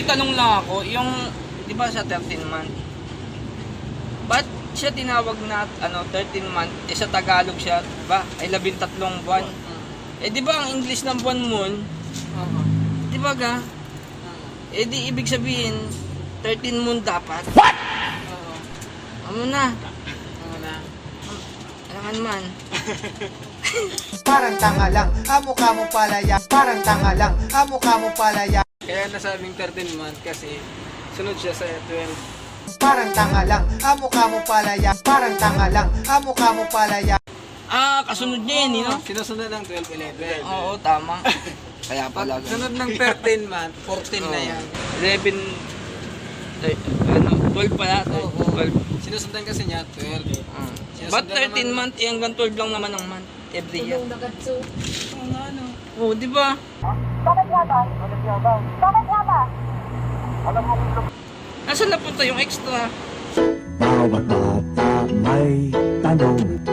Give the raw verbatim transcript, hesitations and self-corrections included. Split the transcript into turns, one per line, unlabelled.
Tanong lang ako, yung, di ba sa thirteen month? Ba't siya tinawag na ano, thirteen month, eh sa Tagalog siya, di ba? Ay labintatlong buwan. Eh di ba ang English ng buwan moon? Di ba ga? Eh di ibig sabihin, thirteen moon dapat. What? Ano na?
Ano na?
Alangan man.
Parang tanga lang, amo ka mo palaya. Parang tanga lang, amo ka mo palaya.
Kaya nasabing thirteen month kasi sunod siya sa twelve.
Parang tanga lang, amo ka mo palaya. Parang tanga lang, amo ka mo palaya.
Ah, kasunod niya yun, no?
Sinusunod ng twelve, eleven.
Oo, tama. Kaya pala.
Pag sunod ng thirteen month, fourteen na yan.
eleven, eh, ano, twelve pala. twelve.
Sinusundan kasi niya, twelve.
Ah.
Sinusundan
Ba't thirteen
naman-
month, eh, hanggang twelve lang naman ang month? Every year.
Tulong na gatso.
Oo nga, ano.
Oo, di ba?
Bakit nga ba? Bakit nga ba?
Nasaan napunta yung extra?
Bawat bata may tanong